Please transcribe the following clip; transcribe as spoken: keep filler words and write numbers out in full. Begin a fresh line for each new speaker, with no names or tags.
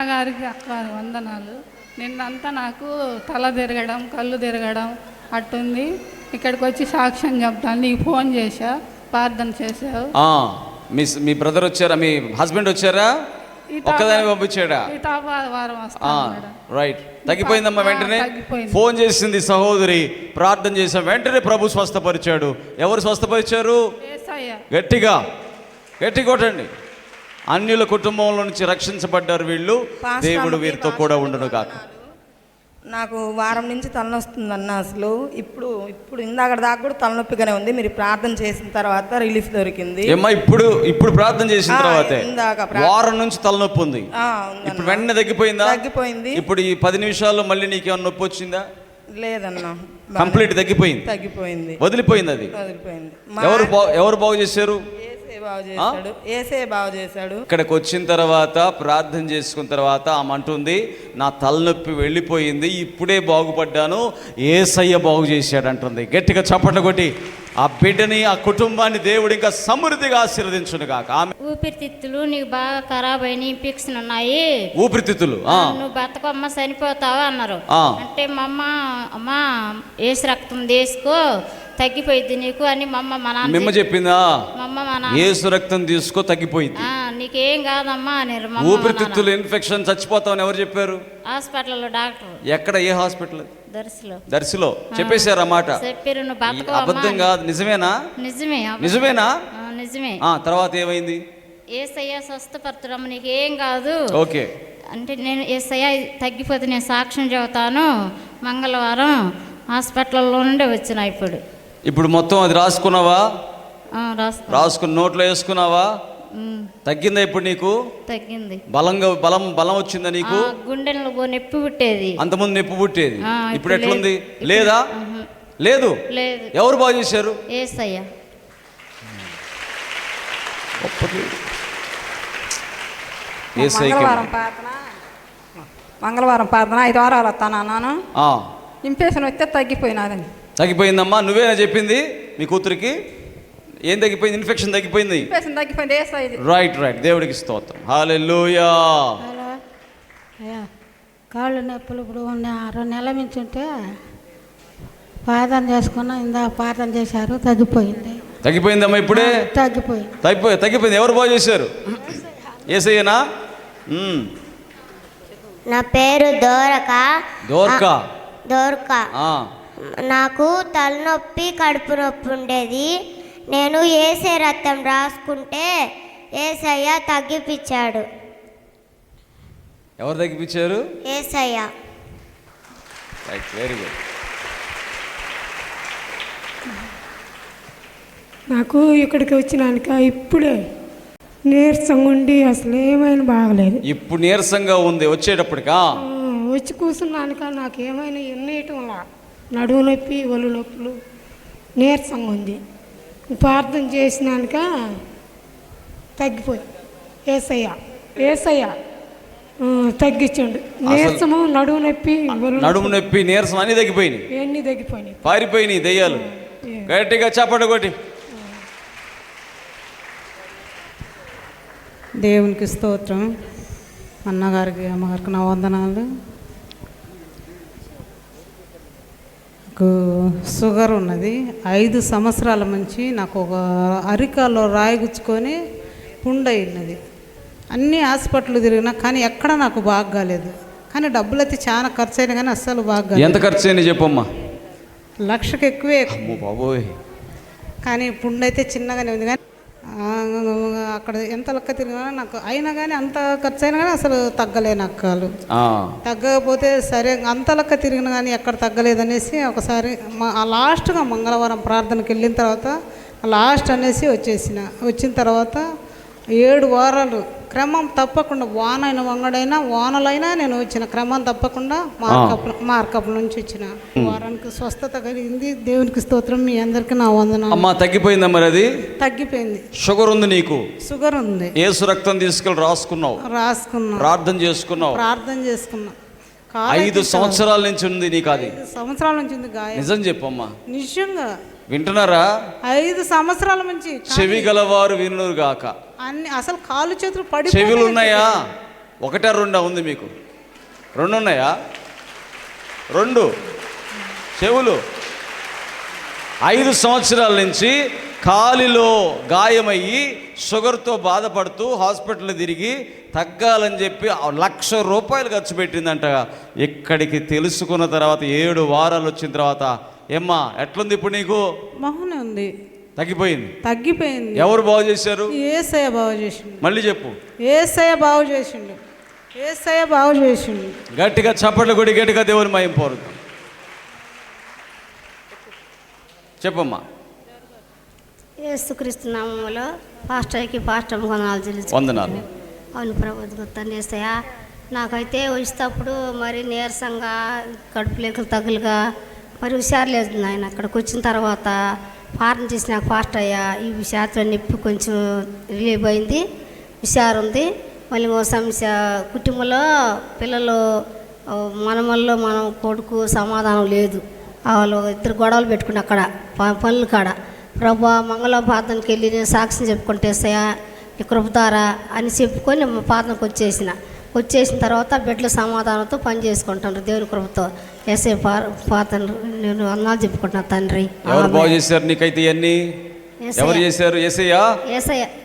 గారికి అక్క వందనాలు. నిన్నంతా నాకు తల తిరగడం, కళ్ళు తిరగడం అట్టుంది. ఇక్కడికి వచ్చి సాక్ష్యం చెప్తాను. నీకు ఫోన్ చేశా, ప్రార్థన చేసావు.
మీ మీ బ్రదర్ వచ్చారా? మీ హస్బెండ్ వచ్చారా? ఒక్కదాన్ని పంపించాడా? రైట్. తగ్గిపోయిందమ్మా. వెంటనే ఫోన్ చేసింది సహోదరి, ప్రార్థన చేసాం, వెంటనే ప్రభు స్వస్థపరిచాడు. ఎవరు స్వస్థపరిచారు? గట్టిగా గట్టి కొట్టండి. అన్యుల కుటుంబంలో నుంచి రక్షించబడ్డారు వీళ్ళు. దేవుడు వీరితో కూడా ఉండును కాక.
నాకు వారం నుంచి తలనొస్తుందన్న. అసలు ఇప్పుడు ఇప్పుడు ఇందాక దాకా కూడా తలనొప్పిగానే ఉంది. మీరు ప్రార్థన చేసిన తర్వాత రిలీఫ్ దొరికింది.
ఏమ్మా ఇప్పుడు ఇప్పుడు ప్రార్థన చేసిన తర్వాత వారం నుంచి తలనొప్పి ఉంది. ఇప్పుడు వెంటనే తగ్గిపోయిందా?
తగ్గిపోయింది.
ఇప్పుడు ఈ పది నిమిషాల్లో మళ్ళీ నీకేమన్నా నొప్పి వచ్చిందా?
లేదన్నా,
కంప్లీట్ తగ్గిపోయింది.
తగ్గిపోయింది,
వదిలిపోయింది. అది
వదిలిపోయింది.
ఎవరు ఎవరు బాగు చేశారు?
బాగు చేశాడు.
ఇక్కడికి వచ్చిన తర్వాత ప్రార్థన చేసుకున్న తర్వాత ఆమె అంటుంది, నా తలనొప్పి వెళ్ళిపోయింది, ఇప్పుడే బాగుపడ్డాను, యేసయ్య బాగు చేశాడు అంటుంది. గట్టిగా చప్పట్లు కొట్టి ఆ బిడ్డని, ఆ కుటుంబాన్ని దేవుడు ఇంకా సమృద్ధిగా ఆశీర్వదించును కాక. ఆమె
ఊపిరితిత్తులు నీకు బాగా ఖరాబ్ అయిన ఇన్ఫెక్షన్ ఉన్నాయి,
ఊపిరితిత్తులు
నువ్వు బతకమ్మ చనిపోతావా అన్నారు. అంటే మా అమ్మ అమ్మ ఏసు రక్తం తీసుకో తగ్గిపోయింది నీకు అని మా అమ్మ మా నాన్న
మిమ్మ చెప్పిందా?
మా అమ్మ మా నాన్న
ఏసు రక్తం తీసుకో తగ్గిపోయింది,
నీకేం కాదమ్మా అని.
ఊపిరితిత్తులు ఇన్ఫెక్షన్ చచ్చిపోతావని ఎవరు చెప్పారు?
హాస్పిటల్లో డాక్టర్.
ఎక్కడ? ఏ హాస్పిటల్?
దర్శిలో.
దర్శిలో చెప్పేశారు అన్నమాట.
చెప్పారు నువ్వు బతకవు.
అబద్ధం కాదు, నిజమేనా?
నిజమే.
నిజమేనా?
నిజమే.
తర్వాత ఏమైంది?
ఏసయ్య స్వస్థపరచడం నీకేం కాదు.
ఓకే
అంటే నేను ఏసయ్య తగ్గిపోతే నేను సాక్ష్యం చెబుతాను. మంగళవారం హాస్పిటల్లో నుండి వచ్చిన. ఇప్పుడు
ఇప్పుడు మొత్తం అది రాసుకున్నావా? రాసుకుని నోట్లో వేసుకున్నావా? తగ్గిందా ఇప్పుడు నీకు?
తగ్గింది.
బలంగా బలం బలం వచ్చిందా నీకు?
గుండెల్లో నొప్పి పుట్టేది,
అంతకుముందు నొప్పి పుట్టేది, ఇప్పుడు ఎట్లుంది? లేదా? లేదు.
లేదు.
ఎవరు బాగు చేశారు?
యేసయ్య.
మంగళవారం ప్రార్థన మంగళవారం ప్రార్థన ఐదు వారాలు వస్తాను అన్నాను. ఇన్ఫెక్షన్ వస్తే తగ్గిపోయినాదని.
తగ్గిపోయిందమ్మా. నువ్వేనా చెప్పింది మీ కూతురికి? ఏం తగ్గిపోయింది? ఇన్ఫెక్షన్ తగ్గిపోయింది.
ఇన్ఫెక్షన్ తగ్గిపోయింది.
Right right. దేవుడికి స్తోత్రం. హల్లెలూయా.
కాళ్ళు నొప్పులు ఇప్పుడు రెండు నెలల నుంచి ఉంటే ప్రార్థన చేసుకున్నా, ఇందా ప్రార్థన చేశారు, తగ్గిపోయింది.
తగ్గిపోయిందమ్మా ఇప్పుడే?
తగ్గిపోయింది.
తగ్గిపోయి తగ్గిపోయింది. ఎవరు బాగు చేశారు? యేసయ్యనా?
నా పేరు దోరక.
దోరక
దోరక నాకు తలనొప్పి, కడుపు నొప్పి ఉండేది. నేను ఏసే రక్తం రాసుకుంటే ఏసయ్య తగ్గిపించాడు.
ఎవరు తగ్గిపించారు?
ఏసయ్య.
Right, very good.
నాకు ఇక్కడికి వచ్చినాక ఇప్పుడే నీరసంగా ఉండి అసలు ఏమైనా బాగలేదు.
ఇప్పుడు నీరసంగా ఉంది వచ్చేటప్పటికా?
వచ్చి కూర్చున్నాక నాకు ఏమైనా ఎన్నేయటంలా నడువు నొప్పి, ఒళ్ళు నొప్పులు, నీరసంగా ఉంది. ప్రార్థన చేసినాక తగ్గిపోయి ఏసయ్య ఏసయ్య తగ్గించండు. నీరసము, నడుము నొప్పి,
నడుము నొప్పి, నీరసం అన్ని తగ్గిపోయినాయి.
ఎన్ని తగ్గిపోయినాయి,
పారిపోయినాయి దెయ్యాలు. గట్టిగా చప్పట కొట్టి.
దేవునికి స్తోత్రం. అన్నగారికి, అమ్మగారికి నా వందనాలు. నాకు షుగర్ ఉన్నది. ఐదు సంవత్సరాల నుంచి నాకు ఒక అరికాల్లో రాయిగుచ్చుకొని పుండయినది. అన్ని హాస్పిటల్ తిరిగినా కానీ ఎక్కడ నాకు బాగా కాలేదు. కానీ డబ్బులు అయితే చాలా ఖర్చు అయినా కానీ అస్సలు బాగా.
ఎంత ఖర్చు అయినా చెప్పమ్మా?
లక్షకు ఎక్కువే
బాబోయ్.
కానీ పుండైతే చిన్నగానే ఉంది. కానీ అక్కడ ఎంత లెక్క తిరిగినా నాకు అయినా కానీ అంత ఖర్చు అయినా కానీ అసలు తగ్గలే నక్కలు. తగ్గకపోతే సరే అంత లెక్క తిరిగినా కానీ ఎక్కడ తగ్గలేదనేసి ఒకసారి లాస్ట్గా మంగళవారం ప్రార్థనకి వెళ్ళిన తర్వాత లాస్ట్ అనేసి వచ్చేసిన. వచ్చిన తర్వాత ఏడు వారాలు క్రమం తప్పకుండా వానైన వంగడైనా వానలైనా నేను వచ్చిన క్రమం తప్పకుండా మార్కప్ మార్కప్ల నుంచి వచ్చిన. వారానికి స్వస్థత కలిగింది. దేవునికి స్తోత్రం. మీ అందరికీ నా వందనాలు.
అమ్మా తగ్గిపోయిందా మరి? అది
తగ్గిపోయింది.
షుగర్ ఉంది నీకు?
షుగర్ ఉంది.
యేసు రక్తం తీసుకెళ్ళి రాసుకున్నావు?
రాసుకున్నా.
ప్రార్థన చేసుకున్నావు?
ప్రార్థన చేసుకున్నా.
ఐదు సంవత్సరాల నుంచి ఉంది నీకు? అది
సంవత్సరాల నుంచి ఉంది గాయం.
నిజం చెప్పమ్మా.
నిజంగా
వింటున్నారా?
ఐదు సంవత్సరాల నుంచి.
చెవి గలవారు వినుగాక.
అన్ని అసలు కాలు చేతులు పడి.
చెవులు ఉన్నాయా? ఒకటా రెండా ఉంది మీకు? రెండు ఉన్నాయా? రెండు చెవులు. ఐదు సంవత్సరాల నుంచి కాలిలో గాయమయ్యి షుగర్తో బాధపడుతూ హాస్పిటల్ తిరిగి తగ్గాలని చెప్పి లక్ష రూపాయలు ఖర్చు పెట్టిందంట. ఇక్కడికి తెలుసుకున్న తర్వాత ఏడు వారాలు వచ్చిన తర్వాత, ఏమ్మా ఎట్లుంది ఇప్పుడు నీకు?
బాగానే ఉంది,
తగ్గిపోయింది.
తగ్గిపోయింది.
ఎవరు బాగు చేశారు?
ఏసయ్య బాగు చేసిండు.
మళ్ళీ చెప్పు.
ఏసయ్య బాగు చేసిండు. ఏసయ్య బాగు చేసిండు.
గట్టిగా చప్పట్లు కొడి గట్టిగా దేవుని మహిమ పొందుదాం. చెప్పమ్మా.
యేసుక్రీస్తు నామములో పాస్టర్కి పాస్టర్ వందనాలు చెల్లించు.
వందనాలు.
అవును ప్రభు తండ్రిస్తయ్య, నాకైతే వచ్చేటప్పుడు మరి నీరసంగా కడుపు లేకలు తగులుగా మరి హుషారు లేదు నాయన. అక్కడికి వచ్చిన తర్వాత పాలన చేసి నాకు ఫాస్ట్ అయ్యా ఈ శాతం నొప్పి కొంచెం రిలీవ్ అయింది, హుషారు ఉంది. మళ్ళీ ఓ సమస్య కుటుంబంలో పిల్లలు మనమల్లో మనం కొడుకు సమాధానం లేదు. వాళ్ళు ఇద్దరు గొడవలు పెట్టుకుని అక్కడ పనులు కాడ ప్రభా మంగళ ప్రార్థనకి వెళ్ళి నేను సాక్ష్యం చెప్పుకుంటేస్తాయా ఈ కృపతారా అని చెప్పుకొని ప్రార్థనకు వచ్చేసిన వచ్చేసిన తర్వాత బిడ్డల సమాధానంతో పని చేసుకుంటాను దేవుని కృపతో. ఏసే ప్రార్థన నేను అన్నాలు చెప్పుకుంటున్నా తండ్రి.
ఎవరు బాగు చేశారు నీకైతే ఇవన్నీ? ఎవరు చేశారు? ఏసయ్యా.
ఏసయ్య